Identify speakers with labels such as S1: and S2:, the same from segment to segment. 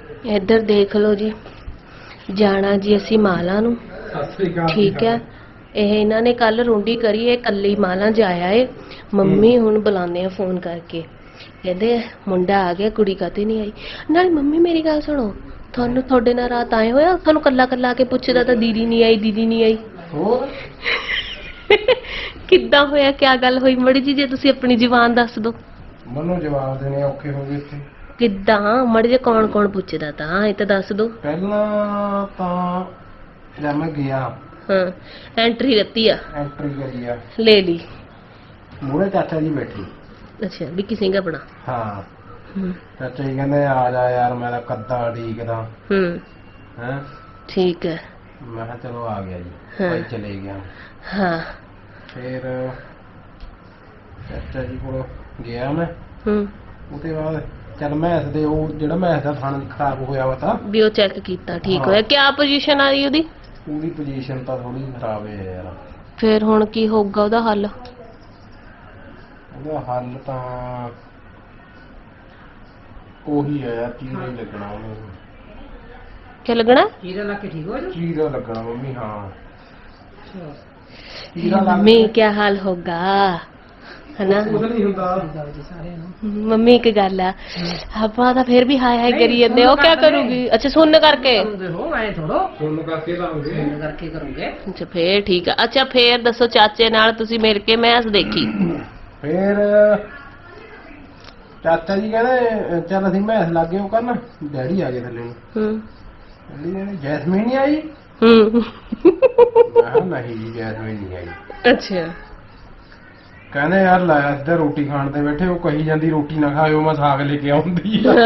S1: ਇੱਧਰ ਦੇਖ ਲਓ ਜੀ, ਜਾਣਾ ਜੀ ਅਸੀਂ ਮਾਲਾ ਨੂੰ। ਠੀਕ ਹੈ, ਇਹ ਇਹਨਾਂ ਨੇ ਕੱਲ ਰੋਂਡੀ ਕਰੀ, ਇਹ ਕੱਲੀ ਮਾਲਾ ਜਾਇਆ ਏ। ਮੰਮੀ ਹੁਣ ਬੁਲਾਉਂਦੇ ਆ ਫੋਨ ਕਰਕੇ, ਕਹਿੰਦੇ ਮੁੰਡਾ ਆ ਗਿਆ, ਕੁੜੀ ਕਾਤੇ ਨਹੀਂ ਆਈ। ਨਾਲੇ ਮੰਮੀ ਮੇਰੀ ਗੱਲ ਸੁਣੋ, ਤੁਹਾਨੂੰ ਤੁਹਾਡੇ ਨਾਲ ਰਾਤ ਆਏ ਹੋਇਆ, ਤੁਹਾਨੂੰ ਕੱਲਾ ਕੱਲਾ ਆ ਕੇ ਪੁੱਛਦਾ ਤਾਂ ਦੀਦੀ ਨਹੀਂ ਆਈ, ਦੀਦੀ ਨਹੀਂ ਆਈ।
S2: ਹੋਰ
S1: ਕਿੱਦਾਂ ਹੋਇਆ, ਕਿਆ ਗੱਲ ਹੋਈ ਮੜੀ ਜੀ, ਜੇ ਤੁਸੀਂ ਆਪਣੀ ਜ਼ੁਬਾਨ ਦੱਸ ਦਿਓ।
S2: ਮੈਨੂੰ ਜਵਾਬ ਦੇਣੇ ਔਖੇ ਹੋ ਗਏ ਇੱਥੇ।
S1: ਕਿੱਦਾਂ ਮੜੀ ਜੇ ਕੌਣ ਕੌਣ ਪੁੱਛਦਾ ਤਾਂ ਇਹ ਤਾਂ ਦੱਸ ਦਿਓ।
S2: ਪਹਿਲਾਂ ਤਾਂ ਜਦ ਮੈਂ ਗਿਆ,
S1: ਹਾਂ, ਐਂਟਰੀ ਦਿੱਤੀ ਆ,
S2: ਐਂਟਰੀ ਕਰੀ ਆ,
S1: ਲੈ ਲਈ।
S2: ਮੂਹਰੇ ਚਾਚਾ ਜੀ ਬੈਠੀ।
S1: ਅੱਛਾ, ਵਿੱਕੀ ਸਿੰਘ ਆਪਣਾ।
S2: ਹਾਂ,
S1: ਹੂੰ
S2: ਚਾਚਾ ਜੀ ਕਹਿੰਦੇ ਆ ਜਾ ਯਾਰ, ਮੈਂ ਤਾਂ ਕੱਦਾ ਢੀਕਦਾ ਹੈ।
S1: ਠੀਕ ਹੈ।
S2: ਮੈਂ ਕਿਹਾ ਚਲੋ ਆ ਗਿਆ ਜੀ,
S1: ਹਾਂ।
S2: ਭਾਈ ਚਲੇ ਗਿਆ।
S1: ਹਾਂ।
S2: ਫਿਰ ਚਾਚਾ ਜੀ ਕੋਲ ਗਿਆ ਮੈਂ। ਉਹਦੇ ਬਾਅਦ ਚੱਲ ਮੈਥ ਦੇ ਉਹ ਜਿਹੜਾ ਮੈਥ ਦਾ ਥਣ ਖਰਾਬ ਹੋਇਆ ਵਾ ਤਾਂ
S1: ਵੀ ਉਹ ਚੈੱਕ ਕੀਤਾ, ਠੀਕ ਹੋਇਆ। ਕਿਆ ਪੋਜੀਸ਼ਨ ਆ ਰਹੀ ਉਹਦੀ?
S2: ਉਹਦੀ ਪੋਜੀਸ਼ਨ ਤਾਂ ਥੋੜੀ ਖਰਾਬ ਹੈ ਯਾਰ।
S1: ਫਿਰ ਹੁਣ ਕੀ ਹੋਊਗਾ ਉਹਦਾ ਹੱਲ?
S2: ਉਹਦਾ ਹੱਲ ਤਾਂ ਉਹੀ ਹੈ ਯਾਰ, ਚੀਰਾ ਹੀ ਲੱਗਣਾ ਉਹਨੂੰ।
S1: ਕੀ ਲੱਗਣਾ?
S3: ਚੀਰਾ ਲਾ ਕੇ ਠੀਕ ਹੋ ਜਾ।
S2: ਚੀਰਾ ਲੱਗਣਾ ਮੰਮੀ। ਹਾਂ,
S1: ਮੰਮੀ ਕਿਆ ਹਾਲ ਹੋਗਾ, ਹਨਾ?
S2: ਕੁਝ ਨਹੀਂ ਹੁੰਦਾ।
S1: ਮੰਮੀ ਇੱਕ ਗੱਲ ਆ, ਆਪਾਂ ਤਾਂ ਫਿਰ ਵੀ ਹਾਏ ਹਾਏ ਕਰੀ ਜਾਂਦੇ, ਉਹ ਕਿਆ ਕਰੂਗੀ? ਅੱਛਾ, ਸੁਣ ਕਰਕੇ
S3: ਹੋ ਐ ਥੋੜੋ
S2: ਸੁਣ ਕਰਕੇ ਲਾਉਂਗੇ,
S3: ਸੁਣ ਕਰਕੇ ਕਰੋਗੇ।
S1: ਅੱਛਾ ਫੇਰ ਠੀਕ ਆ। ਅੱਛਾ ਫੇਰ ਦੱਸੋ, ਚਾਚੇ ਨਾਲ ਤੁਸੀਂ ਮਿਲ ਕੇ ਮੈਚ ਦੇਖੀ?
S2: ਫਿਰ ਚਾਚਾ ਜੀ ਕਹਿੰਦੇ ਚੱਲ ਅਸੀਂ ਮੈਥ ਲੱਗੇ ਉਹ ਕਰਨ। ਡੈਡੀ ਆ ਗਏ ਥੱਲੇ ਨੂੰ। ਡੈਡੀ ਕਹਿੰਦੇ ਜੈਸਮੀਨ ਨਹੀਂ ਆਈ। ਮੈਂ ਕਿਹਾ ਨਹੀਂ ਜੀ, ਜੈਸਮੀਨ ਨਹੀਂ ਆਈ।
S1: ਅੱਛਾ।
S2: ਕਹਿੰਦੇ ਯਾਰ ਲੈ ਇੱਧਰ ਰੋਟੀ ਖਾਣ ਤੇ ਬੈਠੇ, ਉਹ ਕਹੀ ਜਾਂਦੀ ਰੋਟੀ ਨਾ ਖਾਇਓ, ਮੈਂ ਸਾਗ ਲੈ ਕੇ ਆਉਂਦੀ ਆ।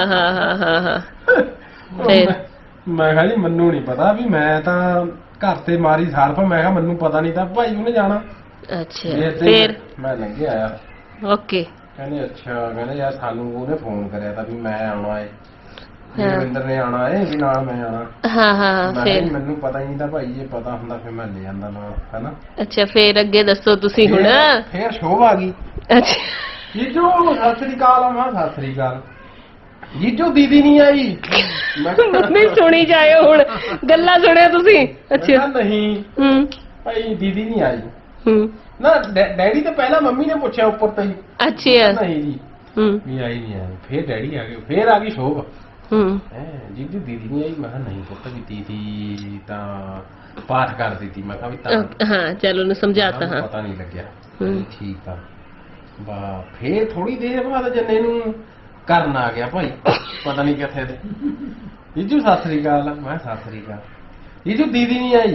S1: ਫਿਰ
S2: ਮੈਂ ਕਿਹਾ ਜੀ ਮੈਨੂੰ ਨਹੀਂ ਪਤਾ, ਵੀ ਮੈਂ ਤਾਂ ਘਰ ਤੇ ਮਾਰੀ ਸਾਰਫ। ਮੈਂ ਕਿਹਾ ਮੈਨੂੰ ਪਤਾ ਨਹੀਂ ਤਾਂ ਭਾਈ ਉਹਨੇ ਜਾਣਾ।
S1: ਅੱਛਾ ਫਿਰ
S2: ਮੈਂ ਲੰਘੇ ਆਇਆ।
S1: ਓਕੇ।
S2: ਕਹਿੰਦੇ ਅੱਛਾ, ਕਹਿੰਦੇ ਯਾਰ ਸਾਨੂੰ ਉਹਨੇ ਫੋਨ ਕਰਿਆ ਤਾਂ ਵੀ ਮੈਂ ਆਉਣਾ ਏ, ਰਵਿੰਦਰ ਨੇ ਆਉਣਾ ਏ, ਵੀ ਨਾਲ ਮੈਂ ਆਉਣਾ।
S1: ਹਾਂ ਫਿਰ
S2: ਮੈਨੂੰ ਪਤਾ ਹੀ ਨਹੀਂ ਤਾਂ ਭਾਈ, ਜੇ ਪਤਾ ਹੁੰਦਾ ਫਿਰ ਮੈਂ ਲੈ ਜਾਂਦਾ ਨਾਲ, ਹੈਨਾ।
S1: ਅੱਛਾ ਫਿਰ ਅੱਗੇ ਦੱਸੋ ਤੁਸੀਂ ਹੁਣ।
S2: ਫਿਰ ਸ਼ੋਭ ਆ ਗਈ।
S1: ਅੱਛਾ
S2: ਜੀਜੂ ਸਤਿ ਸ੍ਰੀ ਅਕਾਲ। ਆ ਸਤਿ ਸ੍ਰੀ ਅਕਾਲ ਜੀਜੂ, ਦੀਦੀ ਨਹੀਂ ਆਈ।
S1: ਮੰਮੀ ਸੁਣੀ ਜਾਇਓ ਹੁਣ, ਗੱਲਾਂ ਸੁਣਿਓ ਤੁਸੀਂ। ਅੱਛਾ
S2: ਨਹੀਂ ਭਾਈ ਦੀਦੀ ਨਹੀਂ ਆਈ ਨਾ। ਡੈਡੀ ਤਾਂ ਪਹਿਲਾਂ ਮੰਮੀ ਨੇ ਪੁੱਛਿਆ ਉੱਪਰ ਤੋਂ ਹੀ।
S1: ਅੱਛਾ।
S2: ਨਹੀਂ ਜੀ ਵੀ ਆਈ ਨਹੀਂ ਆਈ। ਫਿਰ ਡੈਡੀ ਆ ਗਏ, ਫਿਰ ਆ ਗਈ ਸ਼ੋਭ। ਜੀਜੂ ਦੀਦੀ ਨਹੀਂ ਆਈ। ਮੈਂ ਕਿਹਾ ਨਹੀਂ ਪੁੱਤ, ਵੀ ਦੀਦੀ ਤਾਂ ਪਾਠ ਕਰਦੀ ਸੀ। ਮੈਂ ਕਿਹਾ ਵੀ ਤਾਂ
S1: ਹਾਂ ਚਲ ਉਹਨੂੰ ਸਮਝਾਤਾ। ਹਾਂ
S2: ਪਤਾ ਨਹੀਂ ਲੱਗਿਆ। ਠੀਕ ਆ ਬਾ। ਫਿਰ ਥੋੜੀ ਦੇਰ ਬਾਅਦ ਜੰਨੇ ਨੂੰ ਕਰਨ ਆ ਗਿਆ ਭਾਈ, ਪਤਾ ਨਹੀਂ ਕਿੱਥੇ ਤੇ। ਜੀਜੂ ਸਤਿ ਸ੍ਰੀ ਅਕਾਲ। ਮੈਂ ਸਤਿ ਸ੍ਰੀ ਅਕਾਲ। ਜੀਜੂ ਦੀਦੀ ਨਹੀਂ ਆਈ।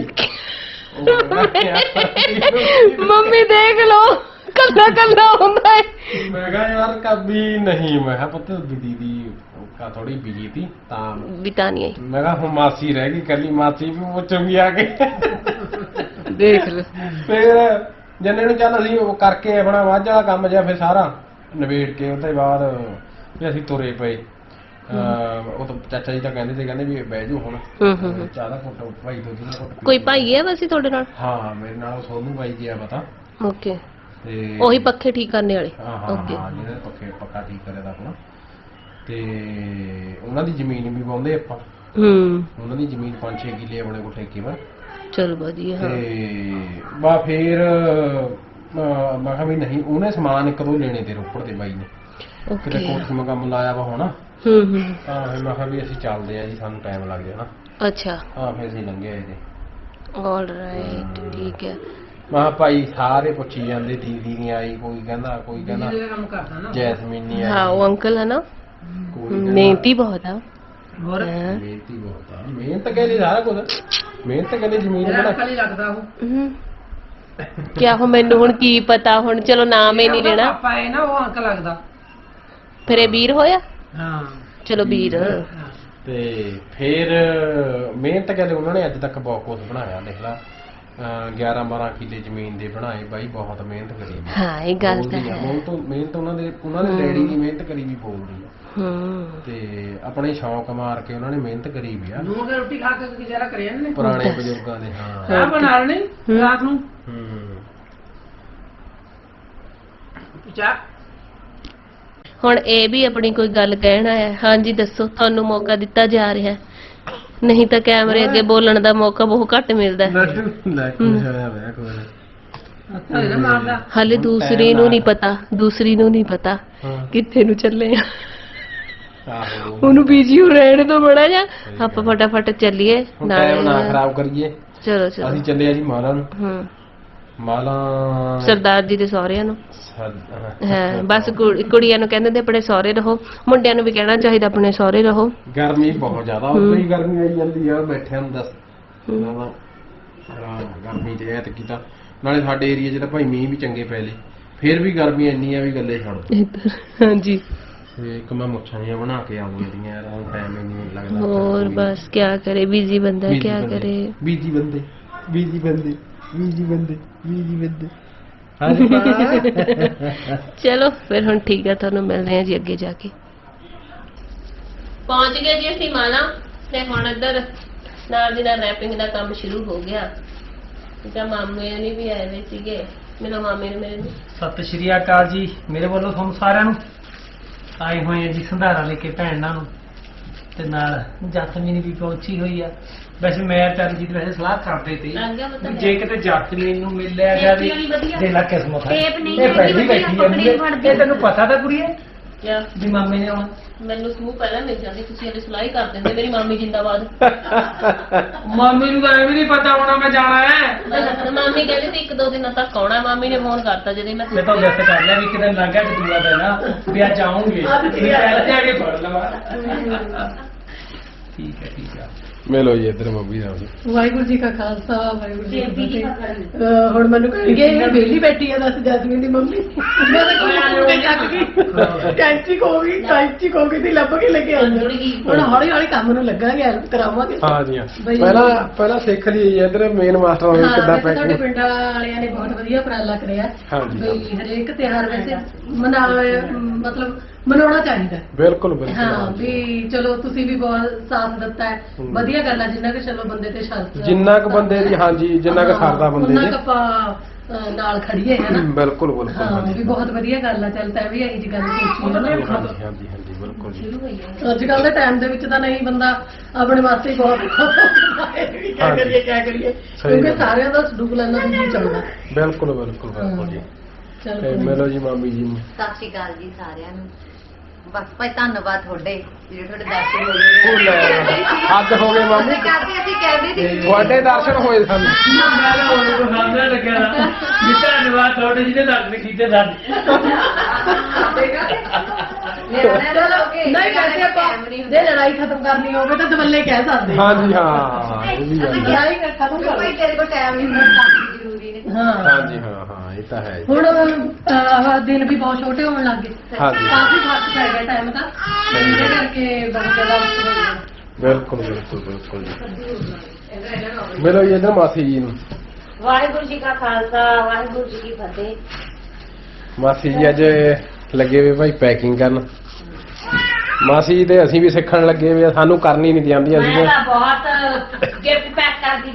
S1: ਮੰਮੀ ਦੇਖ ਲੋ, ਕੱਲਾ ਕੱਲਾ ਹੁੰਦਾ ਹੈ।
S2: ਮੈਂ ਕਿਹਾ ਯਾਰ ਕਦੀ ਨਹੀਂ। ਮੈਂ ਕਿਹਾ ਪੁੱਤ ਦੀਦੀ ਕਾ ਥੋੜੀ ਬਿਜੀ ਥੀ ਤਾਂ
S1: ਬਿਤਾ ਨਹੀਂ ਆਈ।
S2: ਮੈਂ ਕਿਹਾ ਹੁਣ ਮਾਸੀ ਰਹਿ ਗਈ ਕੱਲੀ, ਮਾਸੀ ਵੀ ਪੁੱਛੂਗੀ ਆ ਕੇ।
S1: ਦੇਖ ਲੋ।
S2: ਫਿਰ ਜੰਨੇ ਨੂੰ ਚੱਲ ਅਸੀਂ ਉਹ ਕਰਕੇ ਆਪਣਾ ਵਾਜ ਵਾਲਾ ਕੰਮ ਜਿਹਾ ਫਿਰ ਸਾਰਾ ਨਵੇੜ ਕੇ ਉਹਦੇ ਬਾਅਦ ਵੀ ਅਸੀਂ ਤੁਰੇ ਪਏ। ਉਹ ਤਾਂ ਚਾਚਾ ਜੀ ਤਾਂ ਕਹਿੰਦੇ ਸੀ, ਕਹਿੰਦੇ ਵੀ ਬਹਿ ਜਾਓ ਹੁਣ, ਚਾਹ ਦਾ ਘੁੱਟ ਭਾਈ ਦੋ ਦਿਨ ਘੁੱਟ।
S1: ਕੋਈ ਭਾਈ ਹੈ ਵੈਸੇ ਤੁਹਾਡੇ ਨਾਲ?
S2: ਹਾਂ ਮੇਰੇ ਨਾਲ ਸੋਨੂੰ ਭਾਈ ਗਿਆ ਪਤਾ।
S1: ਓਕੇ।
S2: ਤੇ
S1: ਉਹੀ ਪੱਖੇ ਠੀਕ ਕਰਨੇ ਵਾਲੇ?
S2: ਓਕੇ। ਜਿਹਨੇ ਪੱਕਾ ਠੀਕ ਕਰਿਆ ਦਾ ਆਪਣਾ, ਤੇ ਉਹਨਾਂ ਦੀ ਜ਼ਮੀਨ ਵੀ ਵਾਹੁੰਦੇ ਆਪਾਂ। ਉਹਨਾਂ ਦੀ ਜ਼ਮੀਨ 5-6 ਕਿੱਲੇ ਆਪਣੇ ਕੋਲ ਠੇਕੇ ਪਰ।
S1: ਚਲ ਵਧੀਆ।
S2: ਤੇ ਬਾ ਫੇਰ ਮੈਂ ਕਿਹਾ ਵੀ ਨਹੀਂ, ਉਹਨੇ ਸਮਾਨ ਇੱਕ ਦੋ ਲੈਣੇ ਤੇ ਰੋਪੜ ਦੇ ਬਾਈ ਨੇ, ਕਿਤੇ ਕੋਠੀ ਮੈਂ ਕੰਮ ਲਾਇਆ ਵਾ ਹੁਣ। ਤਾਂ ਫਿਰ ਮੈਂ ਕਿਹਾ ਵੀ ਅਸੀਂ ਚੱਲਦੇ ਆ ਜੀ, ਸਾਨੂੰ ਟਾਈਮ ਲੱਗ ਜਾਣਾ।
S1: ਅੱਛਾ।
S2: ਹਾਂ ਫਿਰ ਅਸੀਂ ਲੰਘੇ ਆਏ ਤੇ।
S1: ਆਲਰਾਈਟ, ਠੀਕ ਹੈ।
S2: ਮੈਂ ਕਿਹਾ ਭਾਈ ਸਾਰੇ ਪੁੱਛੀ ਜਾਂਦੇ ਦੀਦੀ ਨਹੀਂ ਆਈ, ਕੋਈ ਕਹਿੰਦਾ ਜੈਸਮੀਨ ਨਹੀਂ ਆਈ।
S1: ਹਾਂ ਉਹ ਅੰਕਲ ਹੈ ਨਾ, ਮਿਹਨਤੀ ਬਹੁਤ ਆ।
S3: ਹੋਰ
S2: ਮਿਹਨਤੀ ਬਹੁਤ ਆ। ਮਿਹਨਤ ਕਹਿੰਦੇ ਸਾਰਾ ਕੁਝ, ਮਿਹਨਤ ਕਹਿੰਦੇ ਜ਼ਮੀਨ ਬਣਾ
S3: ਲੱਗਦਾ ਉਹ।
S1: ਕਿਆ ਹੋ, ਮੈਨੂੰ ਹੁਣ ਕੀ ਪਤਾ। ਹੁਣ ਚਲੋ ਨਾਮ ਹੀ ਨਹੀਂ ਲੈਣਾ।
S3: ਪਾਪਾ ਹੈ ਨਾ, ਉਹ ਅੰਕਲ ਲੱਗਦਾ।
S1: ਫਿਰ ਇਹ ਵੀਰ ਹੋਇਆ।
S3: ਹਾਂ
S1: ਚਲੋ ਵੀਰ।
S2: ਤੇ ਫਿਰ ਮਿਹਨਤ ਕਹਿੰਦੇ ਉਹਨਾਂ ਨੇ ਅੱਜ ਤੱਕ ਬਹੁਤ ਕੁਝ ਬਣਾਇਆ। ਦੇਖ ਲਾ 11-12 ਕਿੱਲੇ ਜ਼ਮੀਨ ਦੇ ਬਣਾਏ ਬਾਈ, ਬਹੁਤ ਮਿਹਨਤ ਕਰੀ।
S1: ਹਾਂ ਇਹ ਗੱਲ ਤਾਂ ਹੈ।
S2: ਮਿਹਨਤ ਉਹਨਾਂ ਦੇ ਡੈਡੀ ਦੀ ਮਿਹਨਤ ਕਰੀ ਵੀ ਬੋਲਦੀ ਆ। ਤੇ ਆਪਣੇ ਸ਼ੌਕ ਮਾਰ ਕੇ ਉਹਨਾਂ ਨੇ ਮਿਹਨਤ ਕਰੀ ਵੀ ਆ।
S3: ਨੂਰ ਦੇ ਰੋਟੀ ਖਾ ਕੇ ਗੁਜ਼ਾਰਾ ਕਰਿਆ ਨੇ
S2: ਪੁਰਾਣੇ ਬਜ਼ੁਰਗਾਂ ਦੇ। ਹਾਂ
S3: ਚਾਹ ਬਣਾ ਲੈਣੀ ਰਾਤ ਨੂੰ। ਚਾਹ
S1: ਹੁਣ ਇਹ ਵੀ ਆਪਣੀ ਕੋਈ ਗੱਲ ਕਹਿਣਾ ਹੈ। ਹਾਂਜੀ ਦੱਸੋ, ਤੁਹਾਨੂੰ ਮੌਕਾ ਦਿੱਤਾ ਜਾ ਰਿਹਾ ਹੈ, ਨਹੀਂ ਤਾਂ ਕੈਮਰੇ ਅੱਗੇ ਬੋਲਣ ਦਾ ਮੌਕਾ ਬਹੁਤ ਘੱਟ ਮਿਲਦਾ ਹੈ।
S2: ਲੈ ਕੁਝ ਹੋਇਆ ਵੇ ਕੋਈ
S3: ਅੱਛਾ ਇਹ ਮਾਰਦਾ
S1: ਹਾਲੇ ਦੂਸਰੀ ਨੂੰ ਨਹੀਂ ਪਤਾ, ਦੂਸਰੀ ਨੂੰ ਨਹੀਂ ਪਤਾ
S2: ਹਾਂ
S1: ਕਿੱਥੇ ਨੂੰ ਚੱਲੇ ਆ।
S2: ਆਹੋ
S1: ਉਹਨੂੰ ਬੀਜੀ ਹੋ ਰਹਿਣ ਤੋਂ ਬੜਾ ਜਾ, ਆਪਾਂ ਫਟਾਫਟ ਚੱਲੀਏ
S2: ਹੁਣ ਟਾਈਮ ਨਾ ਖਰਾਬ ਕਰੀਏ।
S1: ਚਲੋ ਚਲੋ।
S2: ਅਸੀਂ ਚੱਲੇ ਆ ਜੀ ਮਾਲਾ ਨੂੰ। ਮਾਲਾ
S1: ਸਰਦਾਰ ਜੀ ਦੇ ਸਹੁਰਿਆਂ ਨੂੰ।
S2: ਹਾਂ
S1: ਹਾਂ ਬਸ ਕੁੜੀਆਂ ਨੂੰ ਕਹਿੰਦੇ ਨੇ ਆਪਣੇ ਸਹੁਰੇ ਰਹੋ, ਮੁੰਡਿਆਂ ਨੂੰ ਵੀ ਕਹਿਣਾ ਚਾਹੀਦਾ ਆਪਣੇ ਸਹੁਰੇ ਰਹੋ।
S2: ਗਰਮੀ ਬਹੁਤ ਜ਼ਿਆਦਾ ਉਦੋਂ ਹੀ ਗਰਮੀ ਆਈ ਜਾਂਦੀ ਆ ਬੈਠਿਆਂ ਨੂੰ ਦੱਸ ਗਰਮੀ ਤੇ ਐ ਤੇ ਕੀਤਾ ਨਾਲੇ ਸਾਡੇ ਏਰੀਆ 'ਚ ਤਾਂ ਭਾਈ ਮੀਂਹ ਵੀ ਚੰਗੇ ਪੈ ਲਏ ਫਿਰ ਵੀ ਗਰਮੀ ਇੰਨੀ ਆ ਵੀ ਗੱਲੇ ਛੱਡ
S1: ਇੱਧਰ ਹਾਂਜੀ।
S2: ਤੇ ਇੱਕ ਮੈਂ ਮੁੱਛਾਂ ਜਿਹੀਆਂ ਬਣਾ ਕੇ ਆਉਂਦੀਆਂ ਦੀਆਂ ਯਾਰ ਹੁਣ ਟਾਈਮ ਹੀ ਨਹੀਂ ਲੱਗਦਾ।
S1: ਹੋਰ ਬਸ ਕਿਆ ਕਰੇ, ਬਿਜ਼ੀ ਬੰਦਾ
S2: Busy
S1: ਕਿਆ
S2: ਬੰਦੇ,
S1: ਕਰੇ।
S2: busy ਬੰਦੇ busy ਬੰਦੇ busy ਬੰਦੇ busy ਬੰਦੇ
S1: ਚਲੋ ਫਿਰ ਹੁਣ ਠੀਕ ਹੈ, ਤੁਹਾਨੂੰ ਮਿਲਦੇ ਹਾਂ ਜੀ ਅੱਗੇ ਜਾ ਕੇ। ਪਹੁੰਚ ਗਏ ਜੀ ਅਸੀਂ ਮਾਲਾ ਤੇ ਹੁਣ ਇੱਧਰ ਨਾਲ ਦੀ ਨਾਲ ਰੈਪਿੰਗ ਦਾ ਕੰਮ ਸ਼ੁਰੂ ਹੋ ਗਿਆ। ਠੀਕ ਆ, ਮਾਮੇ ਨੇ ਵੀ ਆਏ ਹੋਏ ਸੀਗੇ, ਮੇਰੇ ਮਾਮੇ ਨੇ ਮੇਰੇ ਨੂੰ।
S4: ਸਤਿ ਸ਼੍ਰੀ ਅਕਾਲ ਜੀ ਮੇਰੇ ਵੱਲੋਂ ਤੁਹਾਨੂੰ ਸਾਰਿਆਂ ਨੂੰ। ਆਏ ਹੋਏ ਆ ਜੀ ਸੰਧਾਰਾ ਲੈ ਕੇ ਭੈਣਾਂ ਨੂੰ ਤੇ ਨਾਲ ਜਸਮੀਨ ਵੀ ਪਹੁੰਚੀ ਹੋਈ ਆ। ਵੈਸੇ ਮੈਂ ਚਰਨਜੀਤ ਵੈਸੇ ਸਲਾਹ ਕਰਦੇ ਤੇ ਵੀ ਜੇ ਕਿਤੇ ਜਸਮੀਨ ਨੂੰ ਮਿਲ ਲਿਆ ਜਾਵੇ ਦੇ ਲਾ ਕਿਸਮਤ ਹੈ। ਇਹ ਪਹਿਲੀ ਬੈਠੀ ਆ ਇਹ ਤੈਨੂੰ ਪਤਾ ਤਾਂ ਕੁੜੀਏ
S1: ਕਿਆ
S4: ਵੀ ਮਾਮੇ ਨੇ ਆਉਣਾ।
S1: ਮੈਨੂੰ ਸਮੂਹ ਪਹਿਲਾਂ ਮਿਲ ਜਾਂਦੀ, ਤੁਸੀਂ ਹਲੇ ਸਲਾਹ ਹੀ ਕਰ ਦਿੰਦੇ। ਮੇਰੀ ਮਾਮੀ ਜਿੰਦਾਬਾਦ।
S4: ਮਾਮੀ ਨੂੰ ਤਾਂ ਐਵੇਂ ਨਹੀਂ ਪਤਾ ਹੋਣਾ ਮੈਂ ਜਾਣਾ ਹੈ।
S1: ਮਾਮੀ ਕਹਿੰਦੀ ਸੀ 1-2 ਦਿਨਾਂ ਤੱਕ ਆਉਣਾ। ਮਾਮੀ ਨੇ ਫੋਨ ਕਰਤਾ ਜਦੋਂ
S4: ਮੈਂ ਤਾਂ ਵੈਸੇ ਕਰ ਲਿਆ ਵੀ ਕਿਤੇ ਲੱਗਾ ਕਿ ਦੂਆ ਦੇਣਾ ਵੀ ਅੱਜ ਆਉਂਗੇ ਵੀ ਪਹਿਲਾਂ ਜਾ ਕੇ ਫੜ ਲਵਾਂ। ਠੀਕ ਹੈ ਠੀਕ ਹੈ।
S2: ਮਿਲੋ ਜੀ ਇੱਧਰ ਮੰਮੀ ਨਾਲ।
S3: ਵਾਹਿਗੁਰੂ ਜੀ ਕਾ ਖਾਲਸਾ ਵਾਹਿਗੁਰੂ ਜੀ ਕੀ ਫਤਿਹ। ਹੁਣ ਮੈਨੂੰ ਕਹਿਣਗੇ ਇਹ ਵਿਹਲੀ ਬੈਠੀ ਆ ਦੱਸ ਜੈਸਮੀਨ ਦੀ ਮੰਮੀ। ਮੈਂ ਤਾਂ ਕੋਈ ਚੱਕ ਗਈ ਕੈਂਚੀ ਹੋ ਗਈ ਦੀ ਲੱਭ ਕੇ ਲੈ ਕੇ ਆਉਂਦੀ। ਹੁਣ ਹੌਲੀ ਹੌਲੀ ਕੰਮ ਨੂੰ ਲੱਗਾਂਗੇ, ਹੈਲਪ ਕਰਾਵਾਂਗੇ।
S2: ਹਾਂ ਜੀ ਹਾਂ ਪਹਿਲਾਂ ਸਿੱਖ ਲਈ ਇੱਧਰ ਮੇਨ ਮਾਸਟਰ ਹੋਵੇ ਕਿੱਦਾਂ
S3: ਸਾਡੇ
S2: ਪੈਕਿੰਗ।
S3: ਪਿੰਡ ਵਾਲਿਆਂ ਨੇ ਬਹੁਤ ਵਧੀਆ ਉਪਰਾਲਾ ਕਰਿਆ
S2: ਹਾਂਜੀ
S3: ਵੀ ਹਰੇਕ ਤਿਉਹਾਰ ਵੈਸੇ ਮਤਲਬ ਮਨਾਉਣਾ ਚਾਹੀਦਾ।
S2: ਬਿਲਕੁਲ ਬਿਲਕੁਲ
S3: ਹਾਂ ਵੀ ਚਲੋ ਤੁਸੀਂ ਵੀ ਬਹੁਤ ਸਾਥ ਦਿੱਤਾ ਹੈ, ਵਧੀਆ ਗੱਲ ਹੈ। ਜਿੰਨਾ ਕਿ ਚਲੋ ਬੰਦੇ ਤੇ ਸ਼ਰਤ
S2: ਜਿੰਨਾ ਕੁ ਬੰਦੇ ਦੀ ਹਾਂਜੀ ਜਿੰਨਾ ਕੁ ਸਰਦਾ ਬੰਦੇ
S3: ਉਹਨਾਂ
S2: ਦੇ
S3: ਕੁ ਆਪਾਂ ਨਾਲ ਖੜੀਏ ਹੈ ਨਾ।
S2: ਬਿਲਕੁਲ ਬਿਲਕੁਲ
S3: ਹਾਂ
S2: ਹਾਂਜੀ
S3: ਵੀ ਬਹੁਤ ਵਧੀਆ ਗੱਲ ਆ। ਚੱਲ ਤੈਂ ਵੀ ਇਹੀ ਜੀ ਗੱਲ ਸੋਚੀ ਹੈ ਨਾ।
S2: ਹਾਂਜੀ ਹਾਂਜੀ ਹਾਂਜੀ ਬਿਲਕੁਲ ਜੀ।
S3: ਅੱਜ ਕੱਲ ਦੇ ਟਾਈਮ ਦੇ ਵਿੱਚ ਤਾਂ ਨਹੀਂ ਬੰਦਾ ਆਪਣੇ ਵਾਸਤੇ ਹੀ ਬਹੁਤ ਕੀ ਕਰੀਏ ਕਿਉਂਕਿ ਸਾਰਿਆਂ ਦਾ ਸਡੂਕ ਲੈਣਾ ਵੀ ਚੱਲਦਾ।
S2: ਬਿਲਕੁਲ ਬਿਲਕੁਲ ਬਿਲਕੁਲ ਜੀ।
S3: ਚਲ
S2: ਤੇ ਮਿਲੋ ਜੀ ਮਾਮੀ ਜੀ ਨੂੰ।
S5: ਸਤਿ ਸ਼੍ਰੀ ਅਕਾਲ ਜੀ ਸਾਰਿਆਂ ਨੂੰ। ਬਸ ਭਾਈ ਧੰਨਵਾਦ ਤੁਹਾਡੇ ਜਿਹੜੇ ਤੁਹਾਡੇ ਦਰਸ਼ਨ ਹੋਏ।
S2: ਹੱਦ ਹੋ ਗਏ ਮਾਮੀ,
S5: ਕਰਦੇ ਅਸੀਂ ਕਹਿੰਦੇ ਸੀ
S2: ਤੁਹਾਡੇ ਦਰਸ਼ਨ ਹੋਏ ਸਾਨੂੰ।
S4: ਮੈਂ ਤਾਂ ਉਹਨੂੰ ਸਾਹਮਣੇ ਲੱਗਿਆ ਨਾ ਵੀ ਧੰਨਵਾਦ ਤੁਹਾਡੇ ਜਿਹਨੇ ਦਰਸ਼ਨ ਕੀਤੇ ਸਾਡੇ।
S3: ਨਹੀਂ ਵੈਸੇ ਆਪਾਂ ਜੇ ਲੜਾਈ ਖਤਮ ਕਰਨੀ ਹੋਵੇ ਤਾਂ ਦਵੱਲੇ ਕਹਿ ਸਕਦੇ ਹਾਂ।
S2: ਹਾਂਜੀ ਹਾਂ ਇਹ ਵੀ ਗੱਲ ਹੈ।
S3: ਲੜਾਈ ਖਤਮ ਕਰ
S5: ਭਾਈ ਤੇਰੇ ਕੋਲ ਟਾਈਮ ਨਹੀਂ ਹੁੰਦਾ ਜ਼ਰੂਰੀ ਨੇ।
S3: ਹਾਂ
S2: ਹਾਂਜੀ ਹਾਂ ਹਾਂ ਇਹ ਤਾਂ ਹੈ ਜੀ।
S3: ਹੁਣ ਦਿਨ ਵੀ ਬਹੁਤ ਛੋਟੇ ਹੋਣ ਲੱਗ ਗਏ,
S2: ਹਾਂਜੀ
S3: ਕਾਫੀ ਫਰਕ ਪੈ ਗਿਆ ਟਾਈਮ ਦਾ, ਇਹਦੇ ਕਰਕੇ ਬਹੁਤ ਜ਼ਿਆਦਾ ਮੁਸ਼ਕਲ ਹੋ ਗਿਆ।
S2: ਬਿਲਕੁਲ ਬਿਲਕੁਲ ਬਿਲਕੁਲ ਜੀ। ਮਿਲੋ ਜੀ ਇੱਧਰ ਮਾਸੀ ਜੀ ਨੂੰ।
S1: ਵਾਹਿਗੁਰੂ ਜੀ ਕਾ ਖਾਲਸਾ ਵਾਹਿਗੁਰੂ ਜੀ ਕੀ ਫਤਿਹ।
S2: ਮਾਸੀ ਜੀ ਅੱਜ ਲੱਗੇ ਵੇ ਭਾਈ ਪੈਕਿੰਗ ਕਰਨ। ਮਾਸੀ ਜੀ ਤੇ ਅਸੀਂ ਵੀ ਸਿੱਖਣ ਲੱਗੇ ਵੇ, ਸਾਨੂੰ ਕਰਨੀ ਨਹੀਂ ਆਉਂਦੀ। ਅਸੀਂ
S1: ਮੈਂ ਤਾਂ ਬਹੁਤ ਗਿਫਟ ਪੈਕ ਕਰਦੀ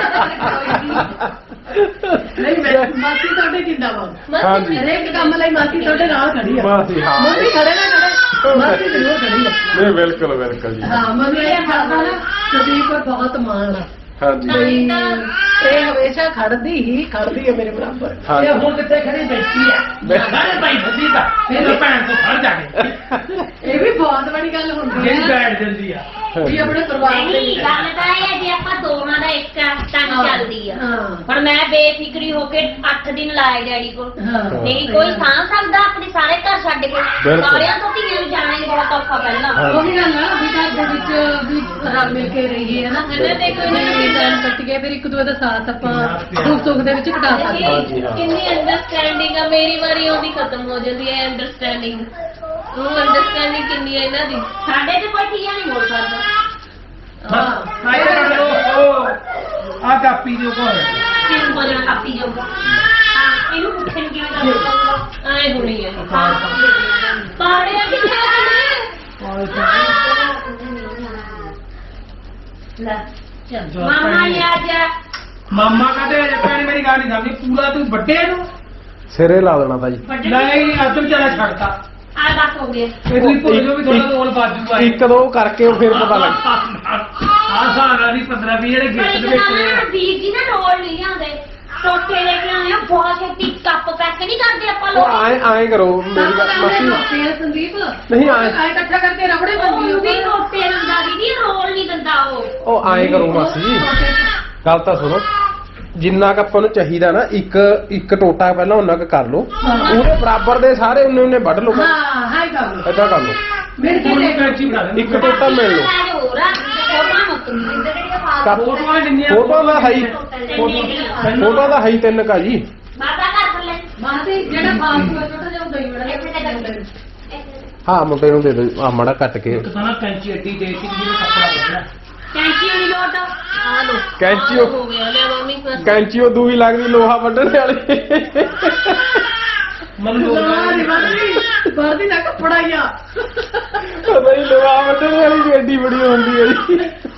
S3: ਨਹੀਂ ਮਾਸੀ ਤੁਹਾਡੇ ਜਿੰਦਾਬਾਦ।
S2: ਹਾਂਜੀ
S3: ਹਰੇਕ ਕੰਮ ਲਈ ਮਾਸੀ ਤੁਹਾਡੇ ਨਾਲ ਖੜੀ ਆ।
S2: ਮਾਸੀ ਹਾਂ
S3: ਮੰਮੀ ਖੜੇ ਨਾ ਖੜੇ ਮਾਸੀ ਜ਼ਰੂਰ ਖੜੀ ਆ।
S2: ਨਹੀਂ ਬਿਲਕੁਲ ਬਿਲਕੁਲ ਜੀ।
S3: ਹਾਂ ਮੰਮੀ ਇਹ ਖਾਦਾ ਨਾ ਸੰਦੀਪ ਪਰ ਬਹੁਤ ਮਾਣ ਆ।
S2: ਹਾਂਜੀ
S3: ਬਈ ਇਹ ਹਮੇਸ਼ਾ ਖੜਦੀ ਹੈ ਮੇਰੇ ਬਰਾਬਰ।
S2: ਹਾਂਜੀ।
S4: ਇਹ ਹੁਣ ਕਿੱਥੇ ਖੜੀ ਬੈਠੀ ਆ ਸਾਰੇ ਭਾਈ ਫਸੀ ਦਾ ਫਿਰ ਭੈਣ ਤੋਂ ਫੜ ਜਾ ਕੇ
S3: ਇਹ ਵੀ ਬਹੁਤ ਬੜੀ ਗੱਲ ਹੁੰਦੀ
S4: ਜਿਹੜੀ
S3: ਹੈ
S4: ਬੈਠ ਜਾਂਦੀ ਆ।
S3: ਵੀ ਆਪਣੇ ਪਰਿਵਾਰ ਦੇ
S6: ਨਹੀਂ ਗੱਲ ਤਾਂ ਇਹ ਹੈ ਜੇ ਆਪਾਂ ਦੋਵਾਂ ਦਾ ਇੱਕ ਟੰਗ ਚੱਲਦੀ ਆ।
S3: ਹਾਂ
S6: ਹੁਣ ਮੈਂ ਬੇਫਿਕਰੀ ਹੋ ਕੇ 8 ਦਿਨ ਲਾਏ ਡੈਡੀ ਕੋਲ,
S3: ਹਾਂ
S6: ਨਹੀਂ ਕੋਈ ਸਾਂਭ ਸਕਦਾ ਆਪਣੇ ਸਾਰੇ ਘਰ ਛੱਡ ਕੇ।
S2: ਬਿਲਕੁਲ।
S6: ਸਾਰਿਆਂ ਤੋਂ ਧੀਆਂ ਨੂੰ ਜਾਣਾ ਹੀ ਬਹੁਤ ਔਖਾ ਪਹਿਲਾਂ।
S3: ਉਹ ਵੀ ਗੱਲ ਆ ਵੀ ਘਰ ਦੇ ਵਿੱਚ ਵੀ ਰਲ ਮਿਲ ਕੇ ਰਹੀਏ ਹੈ ਨਾ। ਟਾਈਮ ਕੱਟੀਏ ਫਿਰ ਇੱਕ ਦੂਜੇ ਦਾ ਸਾਥ ਆਪਾਂ ਦੁੱਖ ਸੁੱਖ ਦੇ ਵਿੱਚ ਘਟਾ ਸਕਦੇ ਹਾਂ।
S2: ਹਾਂਜੀ ਹਾਂ
S1: ਕਿੰਨੀ ਅੰਡਰਸਟੈਂਡਿੰਗ ਆ। ਮੇਰੀ ਵਾਰੀ ਆਉਂਦੀ ਖਤਮ ਹੋ ਜਾਂਦੀ ਹੈ ਅੰਡਰਸਟੈਂਡਿੰਗ। ਉਹ ਅੰਡਰਸਟੈਂਡਿੰਗ ਕਿੰਨੀ ਹੈ ਇਹਨਾਂ ਦੀ।
S6: ਸਾਡੇ ਤੇ ਕੋਈ ਧੀਆਂ ਨਹੀਂ ਮੋੜ ਸਕਦਾ।
S4: ਹਾਂ ਆਏ ਕਰੋ ਆ ਕਾਪੀ ਦੇ ਉੱਪਰ
S6: ਕਿਉਂ ਬੋਲਣਾ ਕਾਪੀ ਜਾਊਗਾ। ਹਾਂ ਇਹਨੂੰ ਪੁੱਛਣ ਕਿਵੇਂ ਕਰਦਾ
S1: ਐ ਹੋਣੀ ਹੈ।
S6: ਪਾੜਿਆ ਕਿੱਥੇ ਲੈ ਚੱਲ ਮਾਮਾ ਨੇ ਆ ਜਾ।
S4: ਮਾਮਾ ਕਹਿੰਦੇ ਅਜੇ ਭੈਣ ਮੇਰੀ ਗੱਲ ਨਹੀਂ ਸਮਝੀ ਪੂਰਾ ਤੂੰ ਵੱਡੇ ਨੂੰ
S2: ਸਿਰੇ ਲਾ ਦੇਣਾ ਤਾਂ ਜੀ।
S6: ਵੱਡੇ
S4: ਨਹੀਂ ਅੱਜ ਵਿਚਾਰਾ ਛੱਡਤਾ
S6: ਆ ਬਸ ਹੋ ਗਿਆ
S4: ਇਹ ਤੁਸੀਂ ਭੁੱਲ ਜਾਓ ਵੀ ਥੋੜਾ ਰੋਲ ਬਾਜੂਗਾ
S2: ਇੱਕ ਦੋ ਕਰਕੇ ਉਹ ਫਿਰ ਪਤਾ ਲੱਗ
S4: ਆਹ ਸਾਰਾ ਦੀ 15-20 ਜਿਹੜੇ ਗਿਫਟ ਦੇ ਵਿੱਚ ਨੇ।
S6: ਵੀਰ ਜੀ ਨਾ ਰੋਲ ਨਹੀਂ ਲਿਆਉਂਦੇ ਟੋਟੇ ਲੈ ਕੇ ਆਏ ਆ ਬਹੁਤ ਛੇਤੀ ਕੱਪ ਪੈਕ ਨਹੀਂ ਕਰਦੇ ਆਪਾਂ
S2: ਉਹ
S6: ਲੋਕ
S2: ਆਏ ਕਰੋ ਮੇਰੀ ਗੱਲ ਮਾਸੀ
S3: ਸੰਦੀਪ
S2: ਨਹੀਂ ਆਏ
S3: ਆਏ ਇਕੱਠਾ ਕਰਕੇ ਰਬੜੇ ਬੰਦੀ
S6: ਉਹ ਵੀ ਟੋਟੇ ਦਿੰਦਾ ਦੀਦੀ ਰੋਲ ਨਹੀਂ ਦਿੰਦਾ ਉਹ
S2: ਆਏ ਕਰੋ ਮਾਸੀ ਗੱਲ ਤਾਂ ਸੁਣੋ ਜਿੰਨਾ ਕ ਆਪਾਂ ਨੂੰ ਚਾਹੀਦਾ ਨਾ ਇੱਕ ਟੋਟਾ ਪਹਿਲਾਂ ਉਹਨਾਂ ਕ ਕਰ ਲਓ ਉਹਦੇ ਬਰਾਬਰ ਦੇ ਸਾਰੇ ਉਹਨੇ ਵੱਢ ਲਓ
S3: ਹਾਂ ਹਾਈ ਕਰ ਲੋ
S2: ਏਦਾਂ ਕਰ ਲਓ
S3: ਮੇਰੇ ਕੀ
S4: ਹੁਣ ਕੈਂਚੀ ਬਣਾ ਦੇ
S2: ਇੱਕ ਟੋਟਾ ਮਿਲ ਲਓ
S6: ਹੋਰ ਆ ਫੋਟੋਆਂ ਮੁੱਕਣ ਦਿੰਦੇ ਜਿਹੜੀਆਂ ਫਾਲਤੂ
S4: ਫੋਟੋਆਂ ਦਿੰਨੀਆਂ
S2: ਫੋਟੋ ਦਾ ਹੈ ਹੀ ਫੋਟੋ ਦਾ ਹੈ ਹੀ 3 ਕਾ ਜੀ
S6: ਮਾਤਾ ਘਰ ਥੱਲੇ
S3: ਮਾਤੇ ਜਿਹੜਾ ਫਾਲਤੂ ਹੈ ਛੋਟਾ ਜਿਹਾ ਦਹੀਂ ਬੜਾ
S6: ਇੱਥੇ ਤੇ ਕਰਦੇ
S2: ਹਾਂ ਮੁੰਡੇ ਨੂੰ ਦੇ ਦਿਓ ਆ ਮਾੜਾ ਕੱਟ ਕੇ
S4: ਇੱਕ ਤਾਂ ਨਾ ਕੈਂਚੀ ਐਡੀ ਦੇ ਦਿੱਤੀ ਕਿ ਜਿਹਨੇ ਕੱਪੜਾ ਕੱਢਣਾ
S6: ਕੈਂਚੀ ਵਾਲੀ ਲੋਟ
S1: ਆ ਲੋ
S2: ਕੈਂਚੀ
S1: ਹੋ ਗਿਆ ਲੈ ਮੰਮੀ ਬਸ
S2: ਕੈਂਚੀ ਉਹ ਦੂਈ ਲੱਗਦੀ ਲੋਹਾ ਵੱਢਣ ਵਾਲੀ
S4: ਮੈਨੂੰ
S3: ਬਾਦੀ ਨਾ ਕੱਪੜਾ ਹੀ ਆ
S2: ਨਹੀਂ ਲੋਹਾ ਵੱਢਣ ਵਾਲੀ ਵੀ ਐਡੀ ਬੜੀ ਹੁੰਦੀ ਹੈ ਜੀ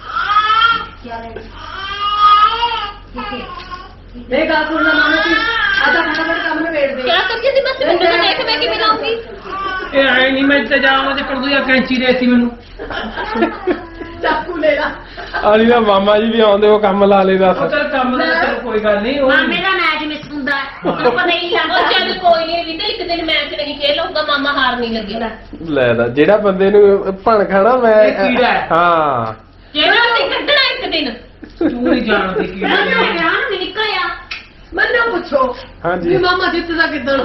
S3: ਇਹ ਗੱਲ ਸੁਣਨਾ ਮਾਨਾ ਜੀ ਆਦਾ ਫਟਾਫਟ ਕੰਮ ਨਿਬੇੜ ਦੇ
S1: ਕਿਆ ਕਰੀਏ ਦੀ ਬਸ ਮੈਨੂੰ ਤਾਂ ਦੇਖ ਮੈਂ ਕਿਵੇਂ ਲਾਉਂਗੀ
S4: ਇਹ ਆਏ ਨਹੀਂ ਮੈਂ ਇੰਤਜ਼ਾਮ ਤੇ ਕਰ ਦੂਆ ਕੈਂਚੀ ਦੇਤੀ ਮੈਨੂੰ
S3: ਚਾਕੂ ਲੈ ਲਾ
S2: ਆਲੀ ਦਾ ਮਾਮਾ ਜੀ ਵੀ ਆਉਂਦੇ ਉਹ ਕੰਮ ਲਾ ਲੈ ਦੱਸ
S4: ਉਹ ਚੱਲ ਕੰਮ ਦਾ ਚੱਲ ਕੋਈ ਗੱਲ ਨਹੀਂ ਉਹ
S6: ਮਾਮੇ ਦਾ ਮੈਚ ਮਿਸ ਹੁੰਦਾ ਉਹਨੂੰ ਪਤਾ ਹੀ ਨਹੀਂ
S1: ਉਹ
S6: ਲੱਗਦਾ
S1: ਚੱਲ ਕੋਈ ਨਹੀਂ ਵੀ ਤੇ ਇੱਕ ਦਿਨ ਮੈਚ ਨਹੀਂ ਖੇਲ ਲਊਗਾ ਮਾਮਾ ਹਾਰ ਨਹੀਂ ਲੱਗੇਗਾ
S2: ਲੈ ਦਾ ਜਿਹੜਾ ਬੰਦੇ ਨੂੰ ਭਣ ਖਾਣਾ ਮੈਂ
S4: ਇਹ ਕੀੜਾ ਹੈ।
S2: ਹਾਂ
S1: ਜਿਹੜਾ ਤੇ ਕੱਢਣਾ ਇੱਕ ਦਿਨ
S4: ਤੂੰ ਨਹੀਂ ਜਾਣਦੀ ਕੀ
S6: ਨਾ ਨਾ ਵਿਆਹ ਨਹੀਂ ਨਿਕਲਿਆ
S3: ਮੈਨੂੰ ਪੁੱਛੋ
S2: ਹਾਂਜੀ
S3: ਵੀ ਮਾਮਾ ਜਿੱਤਦਾ ਕਿੱਦਣ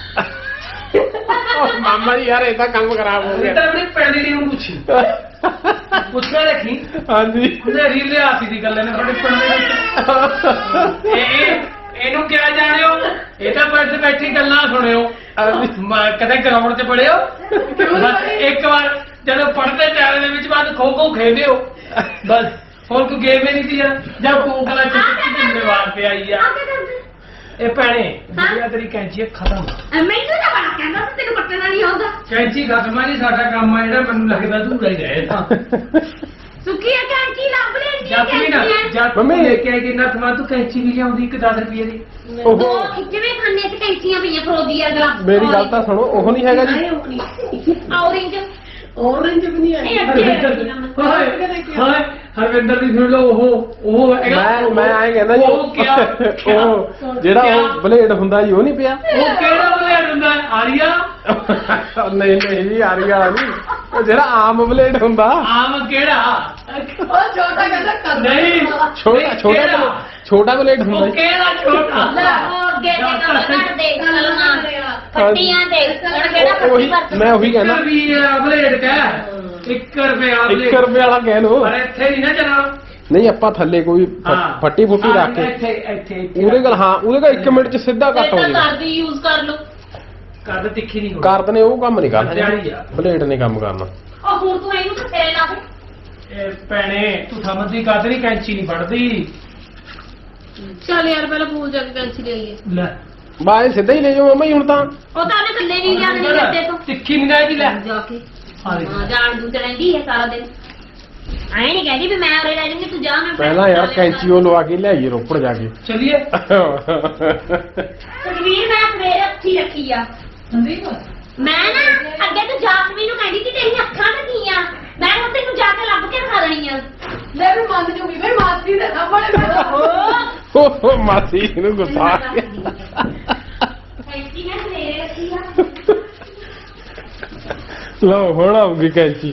S2: ਉਹ ਮਾਮਾ ਜੀ ਯਾਰ ਇਹ ਤਾਂ ਕੰਮ ਖਰਾਬ ਹੋ
S4: ਇਹ
S2: ਗਿਆ
S4: ਤਾਂ ਆਪਣੀ ਪੈਣੀ ਦੀ ਨੂੰ ਪੁੱਛੀ ਪੁੱਛ ਕੇ ਰੱਖੀ
S2: ਹਾਂਜੀ
S4: ਉਹਨੇ ਰੀਲ ਲਿਆ ਸੀ ਦੀ ਗੱਲ ਨੇ ਤੁਹਾਡੇ ਪਿੰਡ ਦੇ ਵਿੱਚ ਇਹਨੂੰ ਕਿਹਾ ਜਾਣਿਓ ਇਹ ਤਾਂ ਬੈਠੇ ਬੈਠੀ ਗੱਲਾਂ ਸੁਣਿਓ ਕਦੇ ਗਰਾਊਂਡ 'ਚ ਪੜਿਓ ਬਸ ਇੱਕ ਵਾਰ ਜਦੋਂ ਪੜਦੇ ਚਾਰੇ ਦੇ ਵਿੱਚ ਬਾਅਦ ਖੋ ਖੋ ਖੇਡਿਓ ਬਸ ਹੋਰ ਕੋਈ ਗੇਮ ਹੀ ਨਹੀਂ ਸੀ ਯਾਰ ਜਾਂ ਕੋਕਲਾ ਚਿੱਟੀ ਜ਼ਿੰਮੇਵਾਰ ਤੇ ਆਈ ਆ ਇਹ ਭੈਣੇ ਜਿਹੜੀਆਂ ਤੇਰੀ ਕੈਂਚੀ ਹੈ ਖਤਮ
S6: ਮੈਨੂੰ ਤਾਂ ਬੜਾ ਕਹਿੰਦਾ ਸੀ ਤੈਨੂੰ ਕੱਟਣਾ ਨਹੀਂ ਆਉਂਦਾ
S4: ਕੈਂਚੀ ਖਤਮ ਆ ਜੀ ਸਾਡਾ ਕੰਮ ਆ ਜਿਹੜਾ ਮੈਨੂੰ ਲੱਗਦਾ ਧੂਰਾ ਹੀ ਰਹੇ ਤਾਂ
S6: ਸੁੱਕੀ ਕੈਂਚੀ ਲੱਭ ਲੈਂਦੀ
S4: ਜਦ ਵੀ ਨਾ ਜਦ
S2: ਮੰਮੀ
S4: ਲੈ ਕੇ ਆਈ ਕਿ ਨਾ ਤੂੰ ਕੈਂਚੀ ਵੀ ਲਿਆਉਂਦੀ ਇੱਕ 10 ਰੁਪਏ ਦੀ
S2: ਉਹ
S6: ਦੋ ਖਿੱਚਵੇਂ ਖਾਨੇ ਚ ਕੈਂਚੀਆਂ ਪਈਆਂ ਫਰੋਦੀ ਆ ਗਲਾ
S2: ਮੇਰੀ ਗੱਲ ਤਾਂ ਸੁਣੋ ਉਹ ਨਹੀਂ ਹੈਗਾ ਜੀ
S6: ਔਰੇਂਜ
S3: ਔਰੰਜ ਵੀ ਨਹੀਂ ਆਈ
S4: ਹਾਏ ਹਰਵਿੰਦਰ ਦੀ ਸੁਣ ਲਓ ਉਹ
S2: ਮੈਂ ਆਏ ਕਹਿੰਦਾ ਜੀ
S4: ਉਹ ਕਿਆ
S2: ਉਹ ਜਿਹੜਾ ਉਹ ਬਲੇਡ ਹੁੰਦਾ ਜੀ ਉਹ ਨਹੀਂ ਪਿਆ
S4: ਉਹ ਕਿਹੜਾ ਬਲੇਡ ਹੁੰਦਾ ਆਰੀਆ
S2: ਨਹੀਂ ਨਹੀਂ ਜੀ ਆਰੀ ਵਾਲਾ ਨਹੀਂ ਉਹ ਜਿਹੜਾ ਆਮ ਬਲੇਡ ਹੁੰਦਾ
S4: ਆਮ ਕਿਹੜਾ
S3: ਉਹ ਛੋਟਾ ਕਹਿੰਦਾ ਕਰ
S4: ਨਹੀਂ
S2: ਛੋਟਾ ਬਲੇਡ ਹੁੰਦਾ
S4: ਉਹ
S2: ਜੀ
S4: ਕਿਹੜਾ ਛੋਟਾ
S6: ਉਹ ਅੱਗੇ ਤੇ ਕੰਮ ਕਰਦੇ ਕਲਮਾਂ ਫੱਟੀਆਂ ਤੇ ਹੁਣ ਕਿਹੜਾ
S2: ਉਹੀ
S6: ਫੱਟੀ
S2: ਮੈਂ ਉਹੀ ਕਹਿੰਦਾ
S4: ਵੀ ਬਲੇਡ ਕਹਿ 1 ਰੁਪਿਆ
S2: 1 ਰੁਪਏ ਵਾਲਾ ਕਹਿ ਲੋ
S4: ਪਰ ਇੱਥੇ ਨਹੀਂ ਨਾ ਚੱਲਣਾ
S2: ਨਹੀਂ ਆਪਾਂ ਥੱਲੇ ਕੋਈ ਫੱਟੀ ਫੁੱਟੀ ਰੱਖ ਕੇ
S4: ਇੱਥੇ
S2: ਉਹਦੇ ਕੋਲ ਹਾਂ ਉਹਦੇ ਕੋਲ 1 ਮਿੰਟ ਚ ਸਿੱਧਾ ਕੱਟ ਹੋ
S1: ਤਾਂ
S2: ਜਾਣਾ
S1: ਕਰਦੀ ਯੂਜ਼ ਕਰ ਲਓ
S4: ਕੱਦ ਤਿੱਖੀ ਨਹੀਂ ਹੋਣੀ
S2: ਕਰਦ ਨੇ ਉਹ ਕੰਮ ਨਹੀਂ ਕਰਨਾ
S4: ਦਿਹਾੜੀ ਆ।
S2: ਬਲੇਡ ਨੇ ਕੰਮ ਕਰਨਾ
S6: ਉਹ ਹੁਣ ਤੂੰ ਇਹਨੂੰ ਕੱਟੇ ਲਾ ਦੇ
S4: ਇਹ ਭੈਣੇ ਤੂੰ ਸਮਝਦੀ ਗੱਲ ਨਹੀਂ ਕੈਂਚੀ ਨਹੀਂ ਵੱਢਦੀ
S1: ਚੱਲ ਯਾਰ ਪਹਿਲਾਂ ਪੂਲ ਜਾ ਕੇ ਕੈਂਚੀ ਲੈ ਆਈਏ
S4: ਲੈ
S2: ਬਾਏ ਸਿੱਧਾ ਹੀ ਲੈ ਜਾਓ ਮੰਮਾ ਜੀ ਹੁਣ ਤਾਂ
S6: ਉਹ ਤਾਂ ਉਹਨੇ ਥੱਲੇ ਨਹੀਂ ਜਾਣੀ ਕਰਦੇ ਤੋਂ
S4: ਤਿੱਖੀ ਨਹੀਂ ਆਏਗੀ ਲੈ
S6: ਜਾ ਕੇ
S4: ਆ ਦੇਖ।
S6: ਹਾਂ ਜਾਣ ਦੂ ਤੇ ਰਹਿੰਦੀ ਹੈ ਸਾਰਾ ਦਿਨ ਐ ਨਹੀਂ ਕਹਿੰਦੀ ਵੀ ਮੈਂ ਉਰੇ ਰਹਿ ਜੂੰਗੀ ਤੂੰ ਜਾ ਮੈਂ
S2: ਪਹਿਲਾਂ ਯਾਰ ਕੈਂਚੀ ਉਹ ਲਵਾ ਕੇ ਲਿਆਈਏ ਰੋਪੜ ਜਾ ਕੇ
S4: ਚਲਿਏ
S6: ਤਕਵੀਰ ਮੈਂ ਸਵੇਰੇ ਅੱਖੀ ਰੱਖੀ ਆ
S3: ਸੰਦੀਪ
S6: ਮੈਂ ਨਾ ਅੱਗੇ ਤੂੰ ਜਾਸਮੀਨ ਨੂੰ ਕਹਿੰਦੀ ਕਿ ਤੇਰੀਆਂ ਅੱਖਾਂ ਲੱਗੀਆਂ ਮੈਂ ਹੁਣ ਤੈਨੂੰ ਜਾ ਕੇ ਲੱਭ ਕੇ ਦਿਖਾ ਦੇਣੀਆਂ
S3: ਲੈ ਵੀ ਮੰਨ ਜੂਗੀ ਬਈ ਮਾਸੀ ਦੇ ਸਾਹਮਣੇ ਮੇਰਾ
S2: ਉਹ ਮਾਸੀ ਨੂੰ ਗੁੱਸਾ ਆ ਗਿਆ
S6: ਐਂਟੀ ਮੈਂ ਸਵੇਰੇ ਰੱਖੀ ਆ
S2: ਲਓ ਹੁਣ ਆਉਗੀ ਕੈਂਚੀ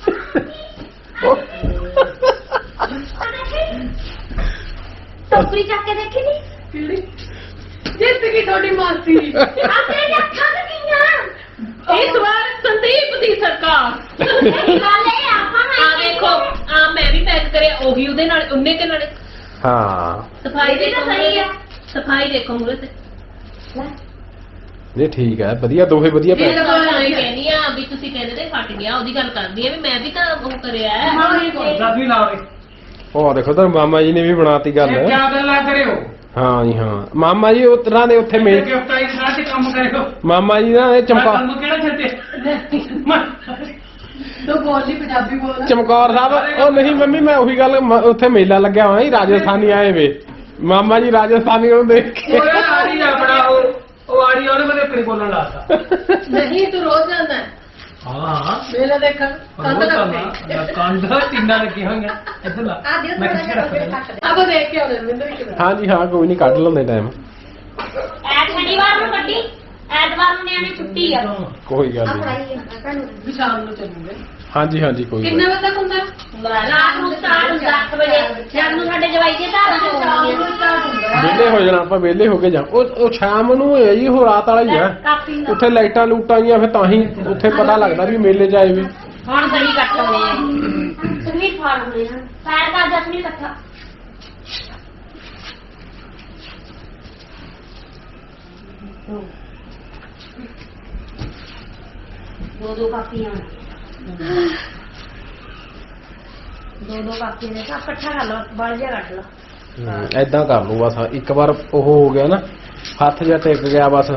S6: ਟੋਕਰੀ ਚੱਕ ਕੇ ਦੇਖੀ ਨੀ
S3: ਕਿਹੜੀ ਜਿੱਤ ਗਈ ਤੁਹਾਡੀ ਮਾਸੀ
S6: ਆਪਣੇ ਅੱਖਾਂ ਲੱਗੀਆਂ
S1: ਇਸ ਵਾਰ ਸੰਦੀਪ ਦੀ ਸਰਕਾਰ
S6: ਇਹ ਗੱਲ ਇਹ ਆਪਾਂ
S1: ਆ ਦੇਖੋ ਆ ਮੈਂ ਵੀ ਪੈਕ ਕਰਿਆ ਉਹੀ ਉਹਦੇ ਨਾਲ ਉਹਨੇ ਕੇ ਨਾਲ
S2: ਹਾਂ
S1: ਸਫਾਈ
S6: ਇਹ ਵੀ ਤਾਂ
S1: ਦੇਖੋ
S6: ਸਹੀ ਆ।
S1: ਸਫਾਈ ਦੇਖੋ ਮੂਰੇ ਤੇ
S2: ਨਹੀਂ ਠੀਕ ਹੈ ਵਧੀਆ ਦੋਹੇ ਵਧੀਆ ਪੈ
S1: ਇਹ ਤਾਂ ਮੈਂ ਕਹਿੰਦੀ ਆ ਵੀ ਤੁਸੀਂ ਕਹਿੰਦੇ ਤੇ ਫਟ ਗਿਆ ਉਹਦੀ ਗੱਲ ਕਰਦੀ ਆ ਵੀ ਮੈਂ ਵੀ ਤਾਂ ਉਹ ਕਰਿਆ ਹੈ।
S4: ਦੱਸ ਵੀ ਲਾਵੇ
S2: ਉਹ ਦੇਖੋ ਤਾਂ ਮਾਮਾ ਜੀ ਨੇ ਵੀ ਬਣਾਤੀ ਗੱਲ
S4: ਇਹ ਕਿਆ ਗੱਲਾਂ ਕਰਿਓ
S2: ਹਾਂ ਜੀ ਹਾਂ ਮਾਮਾ ਜੀ ਉਸ ਤਰ੍ਹਾਂ ਦੇ ਉੱਥੇ ਮੇਲ
S4: ਗਿਫਟਾਈ ਸਾਰਾ ਤੇ ਕੰਮ ਕਰਿਓ
S2: ਮਾਮਾ ਜੀ ਨਾ ਇਹ ਚੰਪਾ
S4: ਕੰਮ ਕਿਹੜਾ ਛੱਡੇ
S3: ਤੂੰ ਬੋਲੀ ਪੰਜਾਬੀ ਬੋਲ
S2: ਚਮਕੌਰ ਸਾਹਿਬ ਉਹ ਨਹੀਂ ਮੰਮੀ ਮੈਂ ਉਹੀ ਗੱਲ ਉੱਥੇ ਮੇਲਾ ਲੱਗਿਆ ਹੋਇਆ ਸੀ ਰਾਜਸਥਾਨੀ ਆਏ ਵੇ ਮਾਮਾ ਜੀ ਰਾਜਸਥਾਨੀ ਨੂੰ ਦੇਖ ਕੇ
S4: ਉਹ ਆੜੀ ਆਪਣਾ ਉਹ ਆੜੀ ਉਹਨੇ ਮੈਨੂੰ ਆਪਣੀ ਬੋਲਣ ਲਾਤਾ
S3: ਨਹੀਂ ਤੂੰ ਰੋਜ਼ ਜਾਂਦਾ
S4: ਹਾਂ
S3: ਮੇਲਾ ਦੇਖਣ ਕੰਧ
S4: ਕੰਧ
S3: ਕਰਦੇ
S4: ਕੰਧ ਟਿੰਨਾਂ ਲੱਗੀਆਂ ਹੋਈਆਂ ਇੱਧਰ ਲਾ
S5: ਆ ਦਿਓ
S4: ਮੈਂ
S5: ਥੋੜਾ
S4: ਕਿੱਥੇ
S5: ਜਿਹਾ
S4: ਰੱਖ
S5: ਅੱਗੇ
S4: ਦੇਣਾ
S5: ਕੱਟ ਦੇ
S3: ਆਪਾਂ ਦੇਖ ਕੇ ਆਉਂਦੇ ਰਵਿੰਦਰ ਇੱਕ ਦਿਨ
S2: ਹਾਂਜੀ ਹਾਂ ਕੋਈ ਨਹੀਂ ਕੱਢ ਲੈਂਦੇ ਟਾਈਮ
S6: ਸ਼ਨੀਵਾਰ ਨੂੰ ਕੱਢੀ ਐਤਵਾਰ ਨੂੰ ਨਿਆਣੇ ਛੁੱਟੀ ਆ
S2: ਕੋਈ ਗੱਲ
S5: ਆ
S2: ਨਹੀਂ
S5: ਫੜਾਈ ਭੈਣ ਨੂੰ
S3: ਵੀ ਸ਼ਾਮ ਨੂੰ ਚੱਲੂਗੇ
S2: ਹਾਂਜੀ ਹਾਂਜੀ ਕੋਈ ਗੱਲ
S3: ਕਿੰਨੇ
S2: ਨੀ।
S3: ਵਜੇ ਤੱਕ ਹੁੰਦਾ
S6: ਰਾਤ ਨੂੰ ਸਟਾਰਟ ਹੁੰਦਾ 8 ਵਜੇ ਜਦ ਨੂੰ ਸਾਡੇ ਜਵਾਈ ਦੇ ਧਾਰਾਂ
S3: ਸ਼ਾਮ
S6: ਚੋਣੀਆਂ
S3: ਨੂੰ ਸਟਾਰਟ ਹੁੰਦਾ
S2: ਵਿਹਲੇ ਹੋ ਜਾਣਾ ਆਪਾਂ ਵਿਹਲੇ ਹੋ ਕੇ ਜਾ ਉਹ ਸ਼ਾਮ ਨੂੰ ਹੈ ਜੀ ਉਹ ਰਾਤ ਵਾਲਾ ਹੀ ਆ
S6: ਕਾਫੀ ਦਾ
S2: ਉੱਥੇ ਲਾਈਟਾਂ ਲੂਟਾਂ ਆਈਆਂ ਫਿਰ ਤਾਂ ਹੀ ਉੱਥੇ ਪਤਾ ਲੱਗਦਾ ਵੀ ਮੇਲੇ 'ਚ ਆਏ ਵੀ
S6: ਹੁਣ ਦਹੀਂ ਕੱਟ ਹੋਣੇ ਆ ਤੁਸੀਂ ਫਾੜ ਹੋਣੇ ਆ ਪੈਰ ਦਾ ਜਸਮੀ ਇਕੱਠਾ ਦੋ ਕਾਪੀਆਂ ਦੋ ਕਾਪੀਆਂ ਨੇ ਤਾਂ ਇਕੱਠਾ ਕਰ ਲਓ ਬਲ ਜਿਹਾ ਕੱਢ ਲਓ
S2: ਐਦਾਂ ਕਰ ਲਓ ਬਸ ਇੱਕ ਵਾਰ ਉਹ ਹੋ ਗਿਆ ਨਾ ਹੱਥ ਜਿਹਾ ਟਿਕ ਗਿਆ ਬਸ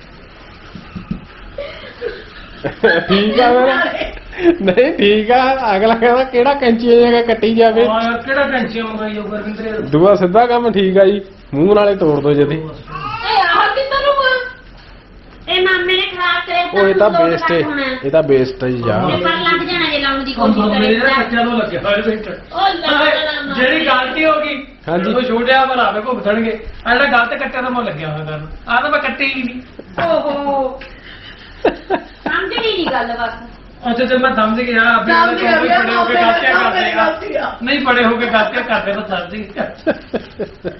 S2: ਠੀਕ ਆ ਫਿਰ ਨਹੀਂ ਠੀਕ ਆ ਅਗਲਾ ਕਹਿੰਦਾ ਕਿਹੜਾ ਕੈਂਚੀ ਜਗ੍ਹਾ ਕੱਟੀ ਜਾਵੇ
S4: ਹਾਂ ਕਿਹੜਾ ਟੈਨਸ਼ਨ ਮੰਗਾਈ ਉਹ ਗੁਰਵਿੰਦਰ
S2: ਦੂਆ ਸਿੱਧਾ ਕੰਮ ਠੀਕ ਆ ਜੀ ਮੂੰਹ ਨਾਲੇ ਤੋੜ ਦੋ ਜਦੀ
S6: ਇਹ ਆਹ ਕਿੱਧਰ ਨੂੰ ਆ ਇਹ ਮਾਮੇ ਨੇ ਖਰਾਬ ਕਰੇ
S2: ਉਹ ਇਹ ਤਾਂ ਬੇਸਟ ਇਹ ਤਾਂ ਬੇਸਟ ਹੀ ਜਾ
S6: ਇਹ ਪਰ ਲੱਗ ਜਾਣਾ ਜੇ ਲਾਉਣ ਦੀ
S4: ਉਹ
S6: ਕੋਸ਼ਿਸ਼
S4: ਮੇਰੇ
S6: ਕਰੇ
S4: ਬੱਚਿਆਂ ਨੂੰ ਲੱਗਿਆ ਹੋਇਆ ਵਿੱਚ
S6: ਉਹ ਲੱਗ
S4: ਜਿਹੜੀ ਗਲਤੀ ਹੋ ਗਈ
S2: ਹਾਂਜੀ।
S4: ਉਹ ਛੋਟਿਆ ਭਰਾਵੇ ਭੁਗਤਣਗੇ ਆ ਜਿਹੜਾ ਗਲਤ ਕੱਟਿਆ ਤਾਂ ਮੈਂ ਲੱਗਿਆ ਹੋਇਆ ਕਰਨ ਆ ਤਾਂ ਮੈਂ ਕੱਟੇ ਹੀ ਨਹੀਂ ਓਹੋ
S6: ਸਮਝਣੀ ਨਹੀਂ ਗੱਲ ਬਸ
S4: ਅੱਛਾ ਜੇ ਮੈਂ ਸਮਝ ਗਿਆ ਆਪੇ
S3: ਸਮਝ ਗਿਆ,
S4: ਕੋਈ ਬੜੇ ਹੋ ਕੇ ਗਲਤੀਆਂ ਕਰਦੇ ਆ
S3: ਗਲਤੀ ਆ।
S4: ਨਹੀਂ ਬੜੇ ਹੋ ਕੇ ਗਲਤੀਆਂ ਕਰਦੇ ਤਾਂ ਸਮਝ ਗਿਆ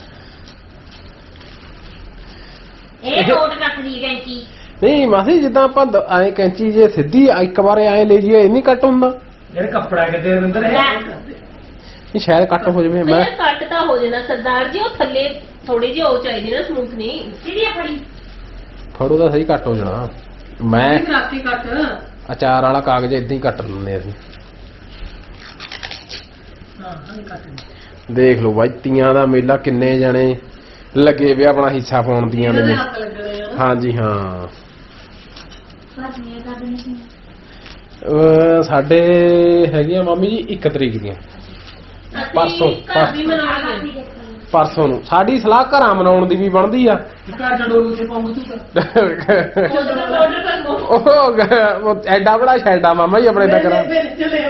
S6: ਇਹ ਕੋਟ ਕੱਟਦੀ ਕੈਂਚੀ
S2: ਨਹੀਂ ਮਾਸੀ ਜਿੱਦਾਂ ਆਪਾਂ ਐ ਕੈਂਚੀ ਜੇ ਸਿੱਧੀ ਇੱਕ ਵਾਰੇ ਐ ਲੈ ਜੀਏ ਇਹ ਨਹੀਂ ਕੱਟ ਹੁੰਦਾ
S4: ਜਿਹੜੇ ਕੱਪੜਾ ਕਿਤੇ ਰਵਿੰਦਰ ਹੈ
S2: ਇਹ ਸ਼ਾਇਦ ਕੱਟ ਹੋ ਜਾਵੇ ਮੈਂ
S1: ਇਹ ਕੱਟ ਤਾਂ ਹੋ ਜਾਣਾ ਸਰਦਾਰ ਜੀ ਉਹ ਥੱਲੇ ਥੋੜੀ ਜਿਹੀ ਉਹ ਚਾਹੀਦੀ ਨਾ ਸਮੂਥ ਨਹੀਂ
S6: ਸਿੱਧੀ ਫੜੀ
S2: ਫੜੋ ਤਾਂ ਸਹੀ ਕੱਟ ਹੋ ਜਾਣਾ ਮੈਂ
S3: ਰਾਤੀ ਕੱਟ
S2: ਅਚਾਰ ਵਾਲਾ ਕਾਗਜ਼ ਇਦਾਂ ਹੀ ਕੱਟ ਲੈਂਦੇ ਅਸੀਂ
S4: ਹਾਂ ਹਾਂ ਕੱਟ
S2: ਦੇਖ ਲਓ ਬਾਈ ਤੀਆਂ ਦਾ ਮੇਲਾ ਕਿੰਨੇ ਜਣੇ ਲੱਗੇ ਵੇ ਆਪਣਾ ਹਿੱਸਾ ਪਾਉਣ ਦੀਆਂ
S3: ਇਹਦੇ
S2: ਨੇ
S3: ਹੱਥ ਲੱਗਣੇ ਆ
S2: ਹਾਂਜੀ ਹਾਂ
S6: ਬਸ ਇਹ ਕਰ ਦੇਣੀ ਸੀ
S2: ਸਾਡੇ ਹੈਗੀਆਂ ਮਾਮੀ ਜੀ 1 ਤਰੀਕ ਦੀਆਂ ਪਰਸੋਂ
S1: ਘਰ ਵੀ ਮਨਾਉਣਗੇ
S2: ਪਰਸੋਂ ਨੂੰ ਸਾਡੀ ਸਲਾਹ ਘਰਾਂ ਮਨਾਉਣ ਦੀ ਵੀ ਬਣਦੀ ਆ
S4: ਘਰ ਚੜੋ ਉੱਥੇ ਪਾਉਂਗਾ ਤੂੰ
S1: ਆਰਡਰ ਕਰ ਦੋ
S2: ਉਹ ਐਡਾ ਬੜਾ ਸ਼ੈਡਾ ਮਾਮਾ ਜੀ ਆਪਣੇ ਦਾ ਕਰਾਂ
S3: ਫਿਰ ਚਲੇ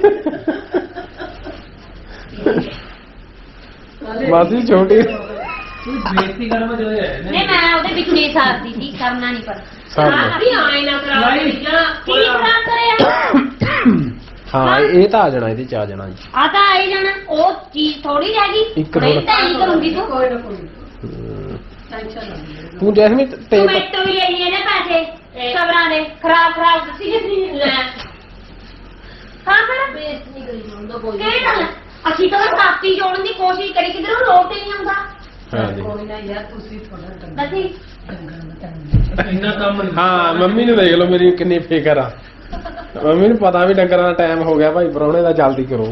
S3: ਆਉਂਦੇ
S2: ਮਾਸੀ ਛੋਟੀ
S4: ਤੂੰ ਬੇਇੱਜ਼ਤੀ ਕਰਨ ਮੈਂ ਜਦੋਂ ਆਇਆ
S6: ਨਹੀਂ ਮੈਂ ਉਹਦੇ ਵਿੱਚ ਨਹੀਂ ਸਾਰਦੀ ਸੀ ਕਰਨਾ ਨਹੀਂ ਪਰ
S2: ਸਾਰੀਆਂ।
S1: ਵੀ ਆਏ ਨਾ ਕਰਾ
S4: ਨਹੀਂ।
S6: ਕੀ ਖਰਾਬ ਕਰਿਆ
S2: ਹਾਂ ਇਹ ਤਾਂ ਆ ਜਾਣਾ ਇਹਦੇ ਚ ਆ ਜਾਣਾ ਜੀ
S6: ਆ ਤਾਂ ਆਈ ਜਾਣਾ ਉਹ ਚੀਜ਼ ਥੋੜੀ ਰਹਿ ਗਈ
S2: ਇੱਕ
S6: ਨਹੀਂ
S2: ਥੋੜ੍ਹਾ-
S6: ਤਾਂ ਨਹੀਂ ਕਰੂੰਗੀ ਤੂੰ
S3: ਕੋਈ ਨਾ ਕੋਈ
S2: ਹਮ,
S3: ਟੈਨਸ਼ਨ ਨਾ ਲਈ
S2: ਤੂੰ ਜੈਸਮੀਨ ਤੇ
S6: ਟੋਮੈਟੋ ਵੀ ਲੈਣੀ ਹੈ ਨਾ ਪੈਸੇ ਸਬਰਾਂ ਦੇ ਖਰਾਬ ਦੱਸੀ ਜਿਸੀ ਲੈ ਹਾਂ ਫਿਰ
S1: ਬੇਸ ਨਹੀਂ ਕਰੀ ਜਾਂਦਾ ਕੋਈ
S6: ਕਿਹੜੀ ਗੱਲ ਅਸੀਂ ਤਾਂ ਕਾਪੀ ਜੋੜਨ ਦੀ ਕੋਸ਼ਿਸ਼ ਕਰੀ ਕਿਧਰੋਂ ਲੋਟ ਹੀ ਨਹੀਂ ਆਉਂਦਾ
S2: ਹਾਂਜੀ
S3: ਕੋਈ ਨਾ ਯਾਰ ਤੁਸੀਂ ਥੋੜਾ ਟੰਗਾ
S6: ਦੱਸੀ
S4: ਇੰਨਾ ਕੰਮ ਨਹੀਂ
S2: ਹਾਂ ਮੰਮੀ ਨੂੰ ਦੇਖ ਲਓ ਮੇਰੀ ਕਿੰਨੀ ਫਿਕਰ ਆ ਮੰਮੀ ਨੂੰ ਪਤਾ ਵੀ ਡੰਗਰਾਂ ਦਾ ਟਾਈਮ ਹੋ ਗਿਆ ਭਾਈ ਪ੍ਰਾਹੁਣੇ ਦਾ ਜਲਦੀ ਕਰੋ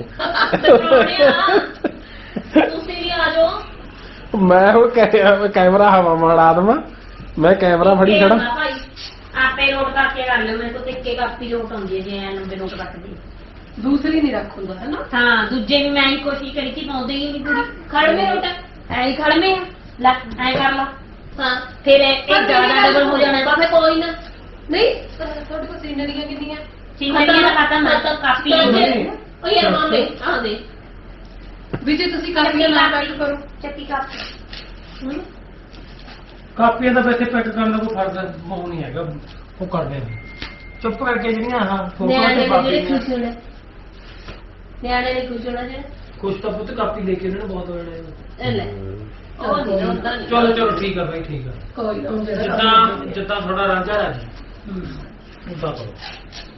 S1: ਤੁਸੀਂ ਵੀ ਆ ਜਾਓ
S2: ਮੈਂ ਹੁਣ ਕੈਮਰਾ ਹਵਾ ਮਾਰਾ ਦਵਾਂ ਮੈਂ ਕੈਮਰਾ ਫੜੀ ਖੜਾ
S6: ਭਾਈ ਆਪੇ ਨੋਟ ਕਰਕੇ ਕਰ ਲਿਓ ਮੇਰੇ ਕੋਲ ਤੇ ਇੱਕੇ ਕਾਪੀ ਨੋਟ ਆਉਂਦੀ ਹੈ ਜੇ ਐ ਲੰਬੇ ਨੋਟ ਕੱਟਦੀ
S3: ਦੂਸਰੀ ਨਹੀਂ ਰੱਖ ਹੁੰਦਾ ਹੈ ਨਾ
S6: ਹਾਂ ਦੂਜੇ ਵੀ ਮੈਂ ਹੀ ਕੋਸ਼ਿਸ਼ ਕਰੀ ਕਿ ਪਾਉਂਦੇ ਹੀ ਨਹੀਂ ਪੂਰੀ ਖੜਵੇਂ ਨੋਟ ਐ ਹੀ ਖੜਵੇਂ ਲੈ ਐ ਕਰ ਲਾ
S1: ਹਾਂ
S6: ਫਿਰ ਇਹ ਜ਼ਿਆਦਾ ਡਬਲ ਹੋ ਜਾਣਾ
S1: ਬਾਬੇ ਕੋਈ ਨਾ
S3: ਨਹੀਂ ਤੁਹਾਡੇ ਕੋਲ ਸੀਨਰੀਆਂ ਕਿੰਨੀਆਂ
S6: ਸਿੰਗਰੀਆਂ ਦਾ ਪਤਾ ਮੈਂ ਤਾਂ ਕਾਪੀ
S1: ਉਹ ਯਾਰ ਮਾਮੇ ਆ ਦੇ
S3: ਵੀ ਜੇ ਤੁਸੀਂ ਕਾਪੀਆਂ ਨਾ ਪੈਕ ਕਰੋ
S6: ਚੱਕੀ ਕਾਪੀ
S4: ਕਾਪੀਆਂ ਦਾ ਵੈਸੇ ਪੈਕ ਕਰਨ ਦਾ ਕੋਈ ਫਰਕ ਉਹ ਨਹੀਂ ਹੈਗਾ ਉਹ ਕਰਦੇ ਨੇ ਚੁੱਪ ਕਰਕੇ ਜਿਹੜੀਆਂ ਹਾਂ ਫੋਟੋਆਂ
S1: ਨਿਆਣੇ
S4: ਤੇ
S1: ਨੇ ਜਿਹੜੇ
S4: ਕਾਪੀਆਂ
S1: ਖੁਸ਼ ਹੋਣਾ ਨਿਆਣੇ ਨੇ ਖੁਸ਼ ਹੋਣਾ ਜਿਹੜੇ
S4: ਕੁਛ ਤਾਂ ਪੁੱਤ ਕਾਪੀ ਲੈ ਕੇ ਇਹਨਾਂ ਨੂੰ ਬਹੁਤ ਹੋ ਜਾਣਾ
S1: ਇਹ ਲੈ ਉਹ ਨਹੀਂ ਹੁੰਦਾ ਨਹੀਂ
S4: ਚਲੋ ਚਲੋ ਠੀਕ ਆ ਬਾਈ ਠੀਕ ਆ
S3: ਕੋਈ ਨਾ
S4: ਜਿੱਦਾਂ ਜਿੱਦਾਂ ਥੋੜਾ ਰਾਂਝਾ ਰਾਜੀ ਉਦਾਂ ਕਰੋ